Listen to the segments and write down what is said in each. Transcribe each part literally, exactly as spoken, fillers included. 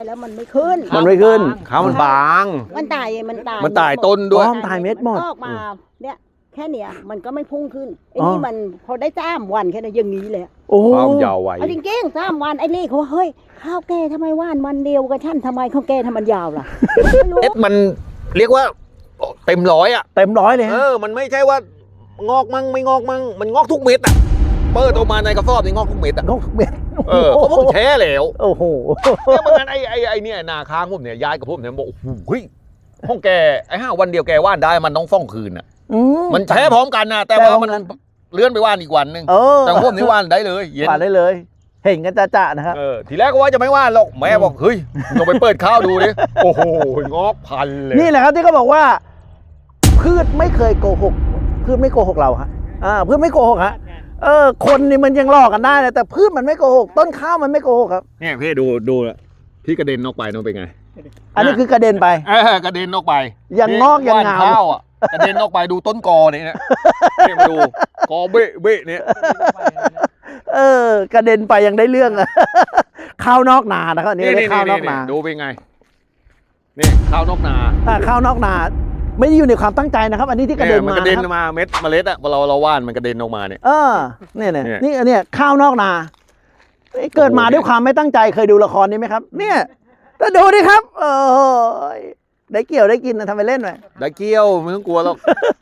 แล้วมันไม่ขึ้นมันไม่ขึ้นข้าวมันบางมันตายมันตายมันตายต้นด้วยมันตายเม็ดหมดออกมาเนี่ยแค่เนี้ยมันก็ไม่พุ่งขึ้นไอ้นี่มันพอได้จ้ามวันแค่นั้นอย่างนี้เลยโอ้ความยาวไวเอาจริงๆจ้ามวันไอ้นี่เขาเฮ้ยข้าวแกทำไมว่านมันเดียวกับฉันทำไมข้าวแกทำมันยาวล่ะเอ็ดมันเรียกว่าเต็มร้อยอ่ะเต็มร้อยเลยเออมันไม่ใช่ว่างอกมั่งไม่งอกมั่งมันงอกทุกเม็ดอ่ะเปิดออกมาในกระสอบนี่งอกทุกเม็ดอ่ะงอกทุกเม็ดเออเพราะผมแช่แล้วโอ้โหเนี่ยมันไอ้ไอ้ไอ้เนี่ยนาค้างผมเนี่ยย้ายกับผมเนี่ยบอกเฮ้ยห้องแกไอ้ห้าวันเดียวแกว่านได้มันต้องฟ้องคืนอ่ะมันแช่พร้อมกันนะแต่ว่ามันเลื่อนไปว่านอีกวันนึงแต่ผมนี่ว่านได้เลยเย็นว่านได้เลยเห็นกันจ่าๆนะครับเออทีแรกก็ว่าจะไม่ว่านหรอกแม่บอกเฮ้ยลองไปเปิดข้าวดูดิโอ้โหงอกพันเลยนี่แหละครับที่เขาบอกว่าพืชไม่เคยโกหกพืชไม่โกหกเราฮะอ่าพืชไม่โกหกฮะเออคนนี่มันยังหลอกกันได้นะแต่พืชมันไม่โกหกต้นข้าวมันไม่โกหกครับเนี่ยพี่ดูดูพี่กระเด็นออกไปน้องเป็นไงอันนี้คือกระเด็นไปเออกระเด็นออกไปยังงอกยังงามข้าวอ่ะกระเด็นออกไปดูต้นกอเนี่ยเนี่ยมาดูกอเบะเบะเนี่ยเออกระเด็นไปยังได้เรื่องอะข้าวนอกนานะครับนี่ได้ข้าวนอกนาดูเป็นไงนี่ข้าวนอกนาข้าวนอกนาไม่ได้อยู่ในความตั้งใจนะครับอันนี้ที่กระเด็นมากระเด็นมาเม็ดเมล็ดอะเราเราว่านมันกระเด็นออกมาเนี่ยเออเนี่ยเนี่ยนี่อันเนี้ยข้าวนอกนาเกิดมาด้วยความไม่ตั้งใจเคยดูละครนี้ไหมครับเนี่ยแต่ดูดิครับเออได้เกี่ยวได้กินนะทำไปเล่นไปได้เกี่ยวไม่ต้องกลัวหรอก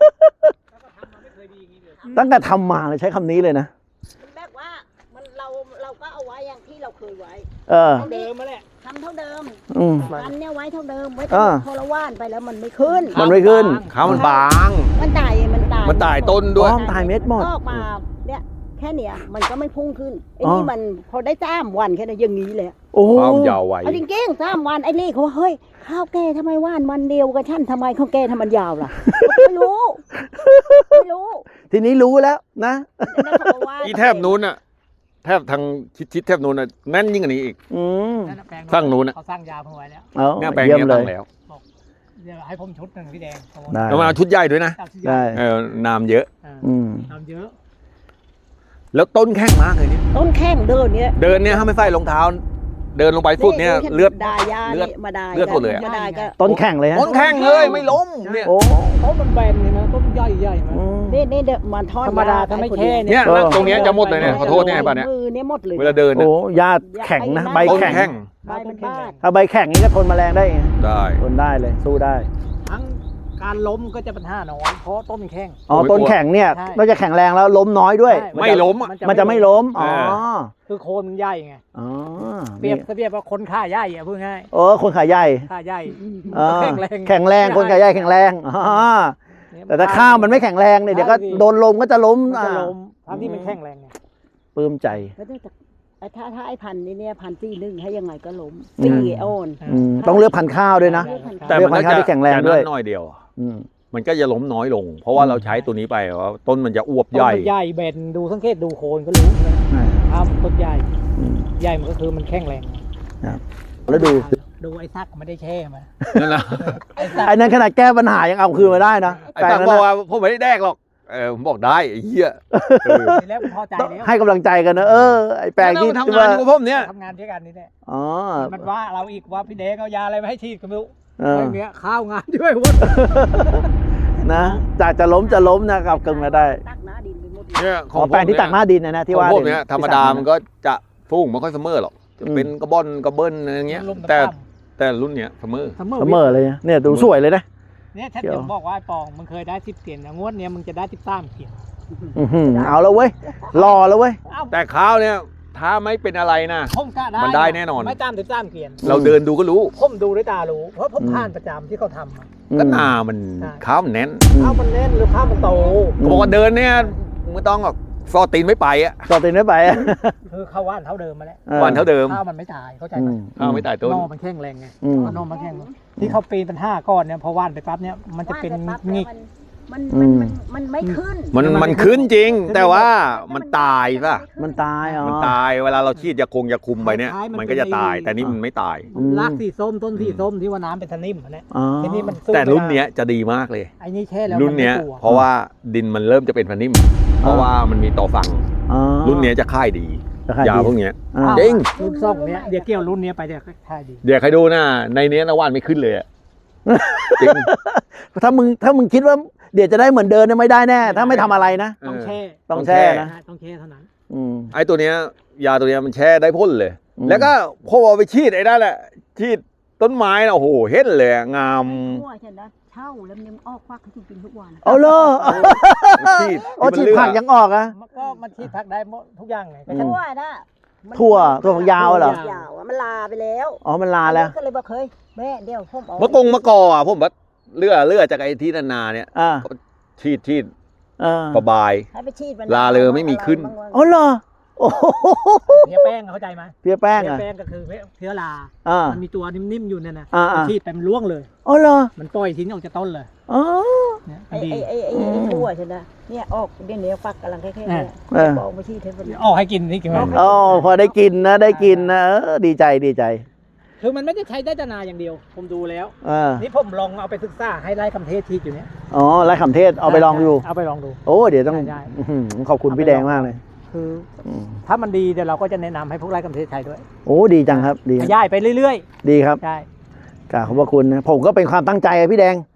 ตั้งแต่ทำมาเลยใช้คำนี้เลยนะแบบว่ามันเราเราก็เอาไว้อย่างที่เราเคยไว้เออเดิมมาแหละทำเท่าเดิมมันเนี่ยไว้เท่าเดิมไว้พอเราว่านไปแล้วมันไม่ขึ้นมันไม่ขึ้นข้าวมันบางมันตายมันตายมันตายต้นด้วยตายเม็ดหมดออกมาเนี่ยแค่เนี้ยมันก็ไม่พุ่งขึ้นไอ้นี่มันพอได้จ้ามวันแค่นั้นอย่างนี้เลยความยาวไวเอาจริงๆจ้ามวันไอ้นี่เขาเฮ้ยข้าวแกทำไมว่านมันเดียวกับฉันทำไมข้าวแกทำมันยาวล่ะไม่รู้ไม่รู้ทีนี้รู้แล้วนะอีแทบนู้นอะแทบทางชิดๆแทบนู้นอะแน่นยิ่งกว่านี้อีกสร้างนู้นอะเขาสร้างยาวเพิ่งไว้แล้วเนี่ยแปลงนี้ตั้งแล้วเดี๋ยวให้ผมชุดหนึ่งพี่แดงแล้วมาชุดใหญ่ด้วยนะได้เออน้ำเยอะน้ำเยอะแล้วต้นแข้งมากเลยเนี่ยต้นแข้งเดินเนี่ยเดินเนี่ยถ้าไม่ใส่รองเท้าเดินลงไปฟุตเนี่ยเลือดเลือดมาได้เลือดหมดเลยต้นแข้งเลยฮะต้นแข้งเลยไม่ล้มเนี่ยโอ้ต้นมันแบนเลยนะต้นใหญ่ใหญ่มานี่นี่เดี๋ยวมันทอดธรรมดาถ้าไม่แค่เนี่ยตรงนี้จะหมดเลยเนี่ยขอโทษเนี่ยป่ะเนี่ยมือเนี่ยหมดเลยเวลาเดินโอ้ยาแข็งนะใบแข็งใบเป็นบ้าถ้าใบแข็งนี่ก็ทนแมลงได้ได้ทนได้เลยสู้ได้ทั้งการล้มก็จะปัญหาน้อยเพราะต้นแข็งอ๋อต้นแข็งเนี่ยนอกจากแข็งแรงแล้วล้มน้อยด้วยไม่ล้มมันจะไม่ล้มอ๋อคือโคนมันใหญ่ไงอ๋อเปรียบเปรียบว่าคนขาใหญ่อะพูดง่ายโอ้คนขาใหญ่ขาใหญ่แข็งแรงแข็งแรงคนขาใหญ่แข็งแรงอ๋อแต่ถ้าข้าวมันไม่แข็งแรงเนี่ยเดี๋ยวก็โดนลมก็จะล้มจะล้มทั้งที่มันแข็งแรงไงปลื้มใจถ้าถ้าไอ้พันนี้เนี่ยพันที่หนึ่งให้ยังไงก็ล้มตีโอนต้องเลือกพันข้าวด้วยนะแต่มันก็จะแข็งแรงด้วยน้อยเดียวมันก็จะล้มน้อยลงเพราะว่าเราใช้ตัวนี้ไปว่าต้นมันจะอวบใหญ่ใหญ่เบนดูสังเกตดูโคนก็รู้นะถ้าต้นใหญ่ใหญ่มันก็คือมันแข็งแรงแล้วดูดูไอ้ซักไม่ได้แช่มานั่นแหละไอ้นั่นขนาดแก้ปัญหายังเอาคืนมาได้นะไอ้ซักบอกว่าผมไม่ได้แดกหรอกเออผมบอกได้ไอ้เหี้ยแล้วพอใจแล้วให้กำลังใจกันนะเออไอ้แปลงที่ทำงานกับผมเนี่ยทำงานด้วยกันนี่แหละอ๋อมันว่าเราอีกว่าพี่เด็กเอายาอะไรมาให้ฉีดก็ไม่รู้อย่างเงี้ยข้าวงานด้วยวะนะจากจะล้มจะล้มนะครับกึ่งมาได้เนี่ยของแปลงที่ตักหน้าดินนะนะที่ว่าพวกเนี้ยธรรมดามันก็จะฟุ้งไม่ค่อยเสมอหรอกจะเป็นกระบอนกระเบิ้ลอะไรเงี้ยแต่แต่รุ่นเนี้ยเสมอเสมอเลยเนี่ยดูสวยเลยนะเนี่ยถ้าจะบอกว่าไอ้ปองมึงเคยได้สิบเกียนงวดเนี้ยมึงจะได้สิบสามเกียนเอาแล้วเว้ยรอแล้วเว้ยแต่ข้าวเนี่ยถ้าไม่เป็นอะไรนะมันได้แน่นอนไม่ตามสิบสามเกียนเราเดินดูก็รู้ผมดูด้วยตารู้เพราะผมผ่านประจำที่เขาทำก็หน้ามันข้าวมันแน่นข้าวมันแน่นหรือข้าวมันโตบอกว่าเดินเนี่ยไม่ต้องหรอกฟอตีนไม่ไปอ่ะฟอตีนไม่ไปอ่ะคือข้าวว่านเท่าเดิมมาแล้วว่านเท่าเดิมข้าวมันไม่ตายเข้าใจไหมข้าวไม่ตายต้นนอมันแข็งแรงไงนอมันแข็งที่เขาปีนเป็นห้าก้อนเนี่ยพอว่านไปปั๊บเนี่ยมันจะเป็นงิกมันมันมันไม่ขึ้นมันมันขึ้นจริงแต่ว่ามันตายป่ะมันตายอ๋อมันตายเวลาเราฉีดยาคงยาคุมไปเนี่ยมันก็จะตายแต่นี่มันไม่ตายรากสีส้มต้นสีส้มที่ว่าน้ำเป็นสนิมเนี่ยทีนี้มันแต่รุ่นเนี้ยจะดีมากเลยไอ้นี่แช่แล้วรุ่นเนี้ยเพราะว่าดินมันเริ่มจะเป็นสนิมเพราะว่ามันมีต่อฝังรุ่นเนี้ยจะค่ายดีราคายาดีพวกเนี้ยอ่าจริงรุ่นซ่องเนี้ยเดี๋ยวเกี่ยวรุ่นเนี้ยไปเดี๋ยวค่ายดีเดี๋ยวใครดูนะในเนี้ยนะว่านไม่ขึ้นเลยอะจริงถ้ามึงถ้ามึงคิดว่าเดี๋ยวจะได้เหมือนเดิมเนี่ยไม่ได้แน่ ถ้าไม่ทำอะไรนะต้องแช่ต้องแช่นะต้องแช่เท่านั้นอืมไอ้ตัวเนี้ยยาตัวเนี้ยมันแช่ได้พ่นเลยอืมแล้วก็พอเอาไปฉีดไอ้นั่นแหละฉีดต้นไม้นะโอ้โหเห็นเลยอะงามทั่วฉันนะเช่าแล้วมันยังออกควักให้กินทุกวันเอาเลยฉีดโอ้ฉีดผักยังออกอะมันก็มันฉีดผักได้หมดทุกอย่างไงก็อืฉันมทั่วนะมันถั่วถั่วฝักยาวเหรอยาวอะมันลาไปแล้วอ๋อมันลาแล้วก็เลยบอกเฮ้ยแม่เดี๋ยวผมเอามะกงมะกออ่ะผมว่าเลือเลือจากไอ้ที่นาๆเนี่ยอ่าฉีดฉีดอ่าสบายให้ไปฉีดมันลาเลยไม่มีขึ้นอะไรบ้างวะอ๋อเหรอโอ้โหเพี้ยแป้งเข้าใจไหมเพี้ยแป้งเพี้ยอ่ะแป้งก็คือเพี้ยลาอ่ามันมีตัวนิ่มๆอยู่เนี่ยนะอ่าอ่าฉีดไปมันร่วงเลยอ๋อเหรอมันปล่อยทิ้งออกจากต้นเลยอ๋อเนี่ยมัไอ้นดีไอ้ไอ้ไอ้ไอ้ทั่วฉันนะเนี่ยออกเดี๋ยวนี้ฟักกำลังแค่ๆเนี่ยเออบอกมาฉีดให้มันออกให้กินนี่กินไหมอ๋อพอได้กินนะได้กินนะเออดีใจดีใจคือมันไม่ได้ใช้ได้แต่นาอย่างเดียว ผมดูแล้วอ่านี่ผมลองเอาไปศึกษาให้ไล่คำเทศทีอยู่เนี่ยอ๋อไรขำเทศเอาไปลองดูเอาไปลองดูโอ้เดี๋ยวต้องได้ได้อื้อหือขอบคุณพี่แดงมากเลยคืออืมถ้ามันดีเดี๋ยวเราก็จะแนะนำให้พวกไร่คำเทศใช้ด้วยโอ้ดีจังครับดีขยายไปเรื่อยดีครับๆใช่กราบขอบพระคุณนะผมก็เป็นความตั้งใจอะพี่แดง